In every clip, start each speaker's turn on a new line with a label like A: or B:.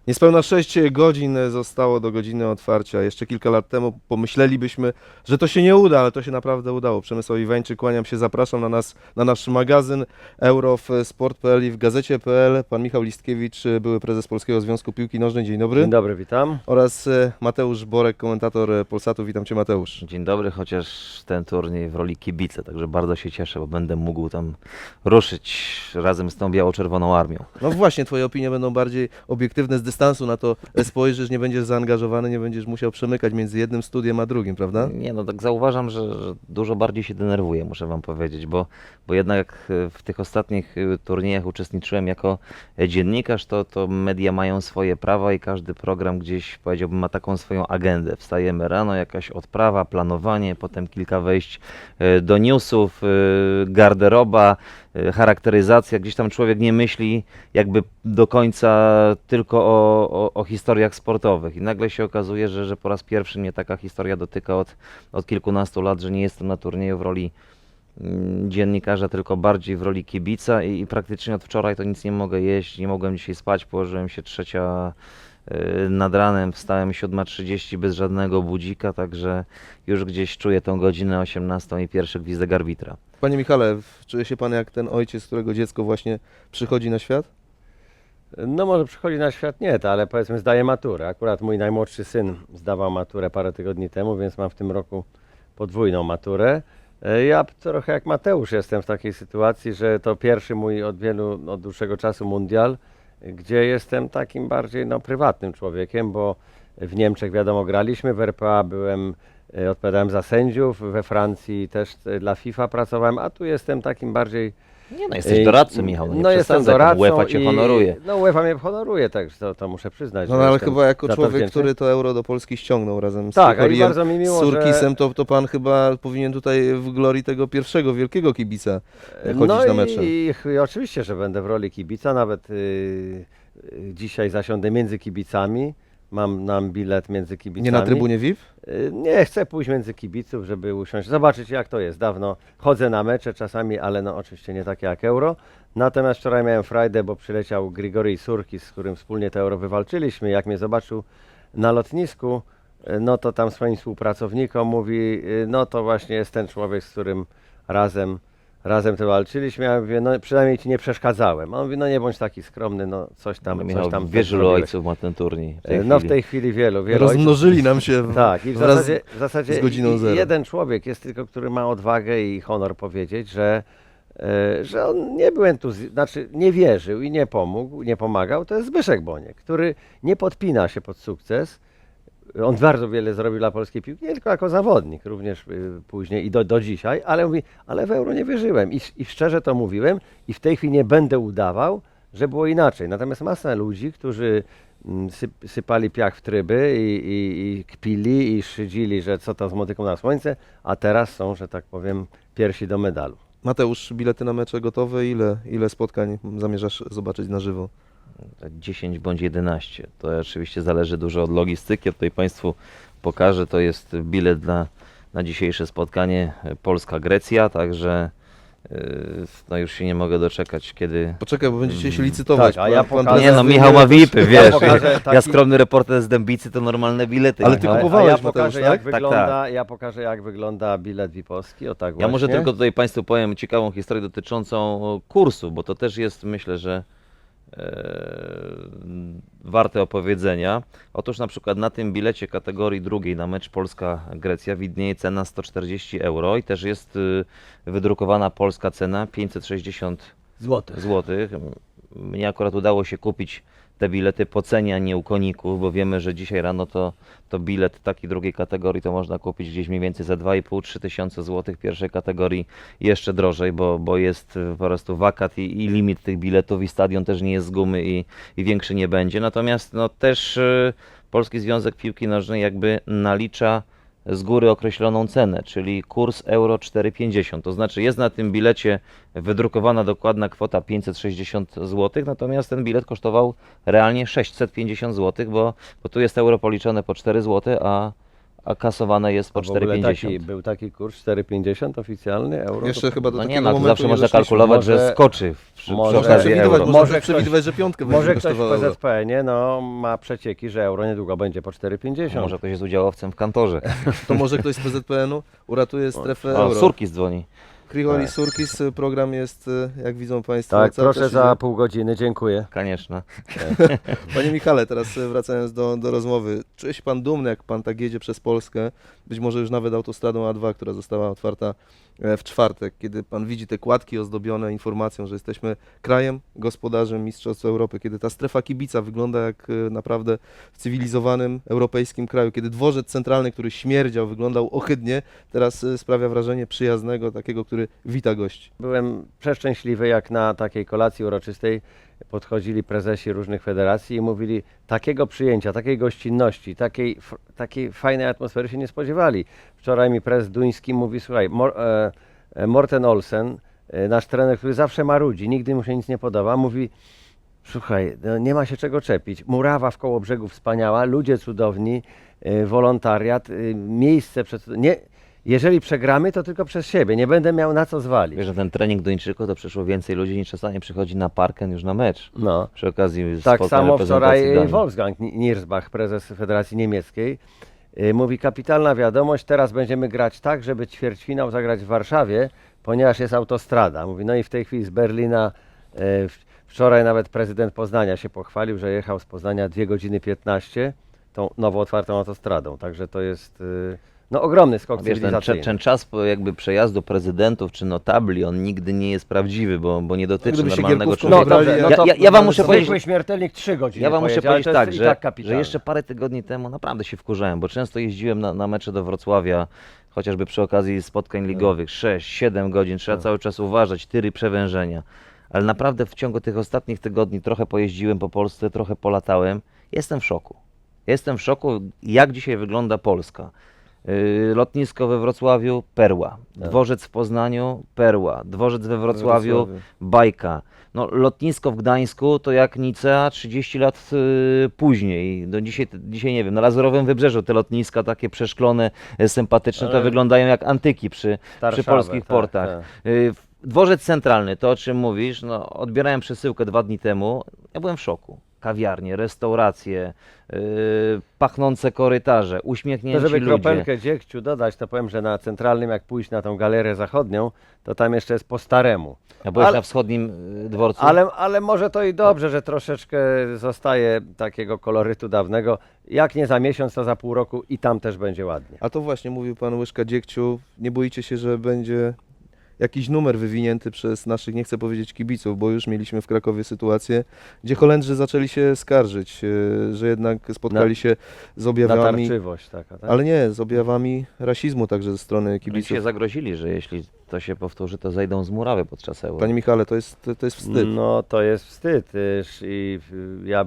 A: Niespełna 6 godzin zostało do godziny otwarcia. Jeszcze kilka lat temu pomyślelibyśmy, że to się nie uda, ale to się naprawdę udało. Przemysław Iwańczyk, kłaniam się, zapraszam na nasz magazyn Euro w Sport.pl i w Gazecie.pl. Pan Michał Listkiewicz, były prezes Polskiego Związku Piłki Nożnej. Dzień dobry.
B: Dzień dobry, witam.
A: Oraz Mateusz Borek, komentator Polsatu. Witam Cię, Mateusz.
C: Dzień dobry, chociaż ten turniej w roli kibica, także bardzo się cieszę, bo będę mógł tam ruszyć razem z tą biało-czerwoną armią.
A: No właśnie, Twoje opinie będą bardziej obiektywne, z dystansu na to spojrzysz, nie będziesz zaangażowany, nie będziesz musiał przemykać między jednym studiem a drugim, prawda?
C: Nie no, tak zauważam, że dużo bardziej się denerwuję, muszę wam powiedzieć, bo jednak w tych ostatnich turniejach uczestniczyłem jako dziennikarz, to media mają swoje prawa i każdy program gdzieś, powiedziałbym, ma taką swoją agendę. Wstajemy rano, jakaś odprawa, planowanie, potem kilka wejść do newsów, garderoba, charakteryzacja, gdzieś tam człowiek nie myśli jakby do końca tylko o historiach sportowych i nagle się okazuje, że po raz pierwszy mnie taka historia dotyka od kilkunastu lat, że nie jestem na turnieju w roli dziennikarza, tylko bardziej w roli kibica i praktycznie od wczoraj to nic nie mogę jeść, nie mogłem dzisiaj spać, położyłem się 3 nad ranem, wstałem 7:30 bez żadnego budzika, także już gdzieś czuję tą godzinę 18 i pierwszy gwizdek arbitra.
A: Panie Michale, czuje się Pan jak ten ojciec, którego dziecko właśnie przychodzi na świat?
B: No może przychodzi na świat nie, ale powiedzmy zdaje maturę. Akurat mój najmłodszy syn zdawał maturę parę tygodni temu, więc mam w tym roku podwójną maturę. Ja trochę jak Mateusz jestem w takiej sytuacji, że to pierwszy mój od dłuższego czasu mundial, gdzie jestem takim bardziej prywatnym człowiekiem, bo w Niemczech wiadomo graliśmy, w RPA odpowiadałem za sędziów, we Francji też dla FIFA pracowałem, a tu jestem takim bardziej.
C: Nie no, jesteś doradcą, Michał, no nie
B: Jestem
C: przesadzaj,
B: doradcą
C: UEFA cię honoruje.
B: No UEFA mnie honoruje, także to muszę przyznać.
A: No
B: że
A: ale
B: jestem
A: chyba jako
B: za to
A: człowiek,
B: wdzięczny.
A: który to euro do Polski ściągnął razem z
B: Tak, a i
A: Suchoriem,
B: bardzo mi miło,
A: z Surkisem,
B: że...
A: to Pan chyba powinien tutaj w glorii tego pierwszego wielkiego kibica chodzić
B: No
A: na mecze.
B: i oczywiście, że będę w roli kibica, nawet dzisiaj zasiądę między kibicami, mam bilet między kibicami.
A: Nie na trybunie VIP?
B: Nie, chcę pójść między kibiców, żeby usiąść, zobaczyć jak to jest. Dawno chodzę na mecze czasami, ale no oczywiście nie takie jak Euro. Natomiast wczoraj miałem frajdę, bo przyleciał Grigori Surkis, z którym wspólnie to Euro wywalczyliśmy. Jak mnie zobaczył na lotnisku, no to tam swoim współpracownikom mówi, no to właśnie jest ten człowiek, z którym razem to walczyliśmy. Ja mówię, no przynajmniej ci nie przeszkadzałem. A on mówi, no nie bądź taki skromny, no coś tam
C: Michał,
B: też
C: wielu
B: zrobiłeś.
C: ojców ma ten turniej.
B: W tej chwili wielu ojców.
A: Rozmnożyli nam się
B: Tak, i
A: wraz
B: w zasadzie
A: z godziną zero.
B: jeden człowiek jest tylko, który ma odwagę i honor powiedzieć, że on nie był znaczy nie wierzył i nie pomagał, to jest Zbyszek Boniek, który nie podpina się pod sukces. On bardzo wiele zrobił dla polskiej piłki, nie tylko jako zawodnik, również później i do dzisiaj, ale mówi, ale w Euro nie wierzyłem i szczerze to mówiłem i w tej chwili nie będę udawał, że było inaczej. Natomiast masa ludzi, którzy sypali piach w tryby i kpili i szydzili, że co to z motyką na słońce, a teraz są, że tak powiem, piersi do medalu.
A: Mateusz, bilety na mecze gotowe? Ile spotkań zamierzasz zobaczyć na żywo?
C: 10 bądź 11. To oczywiście zależy dużo od logistyki. Tutaj Państwu pokażę. To jest bilet na dzisiejsze spotkanie Polska-Grecja, także no już się nie mogę doczekać, kiedy...
A: Poczekaj, bo będziecie się licytować.
B: Tak, a ja pokażę-
C: Nie no, Michał ma VIP-y, wiesz.
B: pokażę
C: Ja skromny reporter z Dębicy to normalne bilety.
A: Ale ty
C: Michał.
A: kupowałeś,
B: ja
A: Mateusz,
B: pokażę,
A: tak?
B: ja pokażę, jak wygląda bilet VIP-owski, o tak
C: Ja może
B: właśnie.
C: tylko tutaj Państwu powiem ciekawą historię dotyczącą kursu, bo to też jest, myślę, że warte opowiedzenia. Otóż na przykład na tym bilecie kategorii drugiej na mecz Polska-Grecja widnieje cena 140 euro i też jest wydrukowana polska cena 560
B: Złoty.
C: złotych. Mnie akurat udało się kupić te bilety po cenie, a nie u koników, bo wiemy, że dzisiaj rano to bilet takiej drugiej kategorii to można kupić gdzieś mniej więcej za 2,5-3 tysiące złotych. Pierwszej kategorii jeszcze drożej, bo jest po prostu wakat i limit tych biletów i stadion też nie jest z gumy i większy nie będzie. Natomiast no też Polski Związek Piłki Nożnej jakby nalicza z góry określoną cenę, czyli kurs euro 4,50. To znaczy jest na tym bilecie wydrukowana dokładna kwota 560 zł, natomiast ten bilet kosztował realnie 650 zł, bo tu jest euro policzone po 4 zł, a kasowane jest po
B: A w ogóle
C: 4,50.
B: był taki kurs 4,50 oficjalny euro.
A: Jeszcze chyba do
C: No
A: takiego
C: nie, no to
A: momentu
C: zawsze
A: nie
C: można
A: doszliśmy.
C: kalkulować, że
B: Może-
C: skoczy przy
B: może
A: Można
C: okazji
A: przewidywać,
C: euro.
A: można
B: Może ktoś-
A: przewidywać, że piątkę będzie
B: Może ktoś w
A: kosztowało euro.
B: PZPN-ie ma przecieki, że euro niedługo będzie po 4,50.
C: Może ktoś jest udziałowcem w kantorze.
A: To może ktoś z PZPN-u uratuje strefę
C: O,
A: euro.
C: Surkis dzwoni.
A: Kriholi Surkis, program jest, jak widzą Państwo,
B: Tak,
A: cały
B: proszę
A: czas
B: za
A: idzie.
B: pół godziny, dziękuję.
C: Koniecznie.
A: Panie Michale, teraz wracając do rozmowy. Czuje się Pan dumny, jak Pan tak jedzie przez Polskę, być może już nawet autostradą A2, która została otwarta w czwartek, kiedy Pan widzi te kładki ozdobione informacją, że jesteśmy krajem gospodarzem Mistrzostw Europy, kiedy ta strefa kibica wygląda jak naprawdę w cywilizowanym europejskim kraju, kiedy dworzec centralny, który śmierdział, wyglądał ohydnie, teraz sprawia wrażenie przyjaznego, takiego, który wita gości.
B: Byłem przeszczęśliwy, jak na takiej kolacji uroczystej podchodzili prezesi różnych federacji i mówili, takiego przyjęcia, takiej gościnności, takiej fajnej atmosfery się nie spodziewali. Wczoraj mi prezes duński mówi, słuchaj, Morten Olsen, nasz trener, który zawsze marudzi, nigdy mu się nic nie podoba, mówi, słuchaj, no nie ma się czego czepić. Murawa w Kołobrzegu wspaniała, ludzie cudowni, wolontariat, miejsce przed... Nie, jeżeli przegramy, to tylko przez siebie, nie będę miał na co zwalić.
C: Wiesz, że ten trening Duńczyków to przyszło więcej ludzi niż czasami przychodzi na parken już na mecz.
B: No.
C: Przy okazji
B: Tak
C: spotkań
B: samo
C: reprezentacji
B: wczoraj
C: Danii.
B: Wolfgang Niersbach, prezes Federacji Niemieckiej, mówi, kapitalna wiadomość, teraz będziemy grać tak, żeby ćwierćfinał zagrać w Warszawie, ponieważ jest autostrada. Mówi, no i w tej chwili z Berlina, wczoraj nawet prezydent Poznania się pochwalił, że jechał z Poznania 2 godziny 15 tą nowo otwartą autostradą, także to jest no, ogromny skok
C: Wiesz,
B: cywilizacyjny.
C: ten czas jakby przejazdu prezydentów czy notabli, on nigdy nie jest prawdziwy, bo nie dotyczy
A: Gdyby się
C: normalnego
A: Gierkówką
C: człowieka.
A: wybrali,
B: no
A: jak-
B: to-
C: ja wam muszę powiedzieć,
B: Zwykły śmiertelnik 3 godziny
C: ja wam muszę
B: pojedzie, ale
C: powiedzieć
B: to
C: tak,
B: jest i
C: że,
B: tak
C: że
B: kapitalne.
C: jeszcze parę tygodni temu naprawdę się wkurzałem, bo często jeździłem na mecze do Wrocławia, chociażby przy okazji spotkań ligowych, 6-7 godzin, trzeba cały czas uważać, tyry przewężenia. Ale naprawdę w ciągu tych ostatnich tygodni trochę pojeździłem po Polsce, trochę polatałem. Jestem w szoku. Jestem w szoku, jak dzisiaj wygląda Polska. Lotnisko we Wrocławiu, perła. Dworzec w Poznaniu, perła. Dworzec we Wrocławiu, bajka. No, lotnisko w Gdańsku to jak Nicea 30 lat później. No, dzisiaj nie wiem, na Lazurowym Wybrzeżu te lotniska takie przeszklone, sympatyczne, to
B: Ale-
C: wyglądają jak antyki przy
B: Starszawę,
C: polskich
B: tak,
C: portach.
B: tak.
C: Dworzec Centralny, to o czym mówisz, no, odbierałem przesyłkę 2 dni temu, ja byłem w szoku. Kawiarnie, restauracje, pachnące korytarze,
B: To
C: uśmiechnięci
B: żeby
C: ludzie.
B: kropelkę dziegciu dodać, to powiem, że na centralnym, jak pójść na tą galerię zachodnią, to tam jeszcze jest po staremu.
C: Ja byłem
B: Ale-
C: na wschodnim dworcu.
B: Ale może to i dobrze, że troszeczkę zostaje takiego kolorytu dawnego. Jak nie za miesiąc, to za pół roku i tam też będzie ładnie.
A: A to właśnie mówił Pan Łyżka Dziegciu, nie boicie się, że będzie jakiś numer wywinięty przez naszych, nie chcę powiedzieć kibiców, bo już mieliśmy w Krakowie sytuację, gdzie Holendrzy zaczęli się skarżyć, że jednak spotkali się z objawami,
B: Natarczywość taka, tak?
A: ale nie, z objawami rasizmu także ze strony
C: Oni
A: kibiców.
C: się zagrozili, że jeśli to się powtórzy, to zejdą z murawy podczas euro.
A: Panie Michale, to jest wstyd.
B: No to jest wstyd. Ja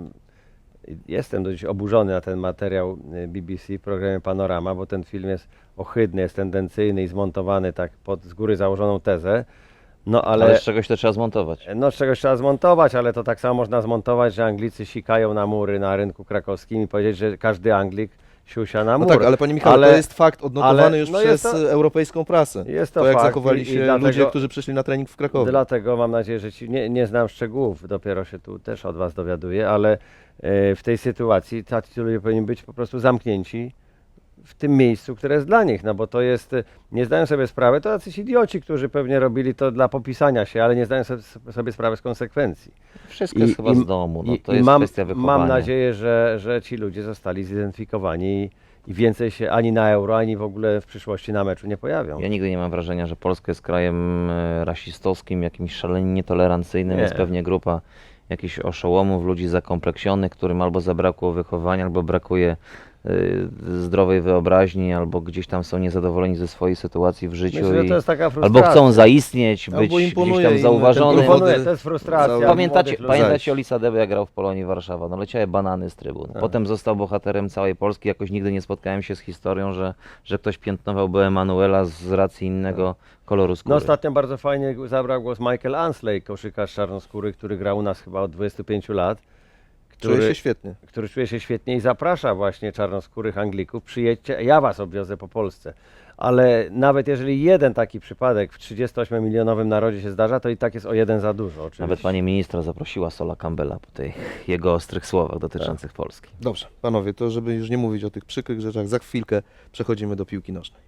B: jestem dość oburzony na ten materiał BBC w programie Panorama, bo ten film jest ohydny, jest tendencyjny i zmontowany tak pod z góry założoną tezę. No
C: Ale z czegoś to trzeba zmontować.
B: no z czegoś trzeba zmontować, ale to tak samo można zmontować, że Anglicy sikają na mury na rynku krakowskim i powiedzieć, że każdy Anglik siusia na
A: No
B: mur.
A: tak, ale Panie Michale,
B: Ale-
A: to jest fakt odnotowany
B: ale-
A: już
B: no
A: przez
B: jest to-
A: europejską prasę.
B: Jest to
A: jak
B: fakt
A: zachowali
B: i
A: się
B: dlatego-
A: ludzie, którzy przyszli na trening w Krakowie.
B: Dlatego mam nadzieję, że nie znam szczegółów, dopiero się tu też od Was dowiaduję, ale w tej sytuacji tacy ludzie powinni być po prostu zamknięci w tym miejscu, które jest dla nich, no bo to jest, nie zdają sobie sprawy, to jacyś idioci, którzy pewnie robili to dla popisania się, ale nie zdają sobie sprawy z konsekwencji.
C: Wszystko jest chyba z domu, no, to
B: i
C: jest
B: mam,
C: kwestia wychowania.
B: mam nadzieję, że ci ludzie zostali zidentyfikowani i więcej się ani na euro, ani w ogóle w przyszłości na meczu nie pojawią.
C: Ja nigdy nie mam wrażenia, że Polska jest krajem rasistowskim, jakimś szalenie nietolerancyjnym.
B: Nie.
C: Jest pewnie grupa jakichś oszołomów, ludzi zakompleksionych, którym albo zabrakło wychowania, albo brakuje zdrowej wyobraźni, albo gdzieś tam są niezadowoleni ze swojej sytuacji w życiu
B: Myślę, że
C: i
B: to jest taka
C: albo
B: frustracja.
C: chcą zaistnieć,
A: Albo
C: być gdzieś
A: imponuje
C: tam
A: im
C: zauważonym.
A: ten
B: Imponuje,
A: powody
B: to jest frustracja.
A: cały-
C: Pamiętacie,
B: młodych ludzi.
C: pamiętacie Olisa Debę, jak grał w Polonii Warszawa? No leciały banany z trybun.
B: Tak.
C: Potem został bohaterem całej Polski. Jakoś nigdy nie spotkałem się z historią, że ktoś piętnowałby Emanuela z racji innego koloru skóry.
B: No ostatnio bardzo fajnie zabrał głos Michael Ansley, koszykarz czarnoskóry, który grał u nas chyba od 25 lat,
A: Czuję się świetnie.
B: który czuje się świetnie i zaprasza właśnie czarnoskórych Anglików, przyjedźcie, ja was obwiozę po Polsce. Ale nawet jeżeli jeden taki przypadek w 38-milionowym narodzie się zdarza, to i tak jest o jeden za dużo. Oczywiście.
C: Nawet pani ministra zaprosiła Sola Campbella po tych jego ostrych słowach dotyczących Polski.
A: Dobrze, panowie, to żeby już nie mówić o tych przykrych rzeczach, za chwilkę przechodzimy do piłki nożnej.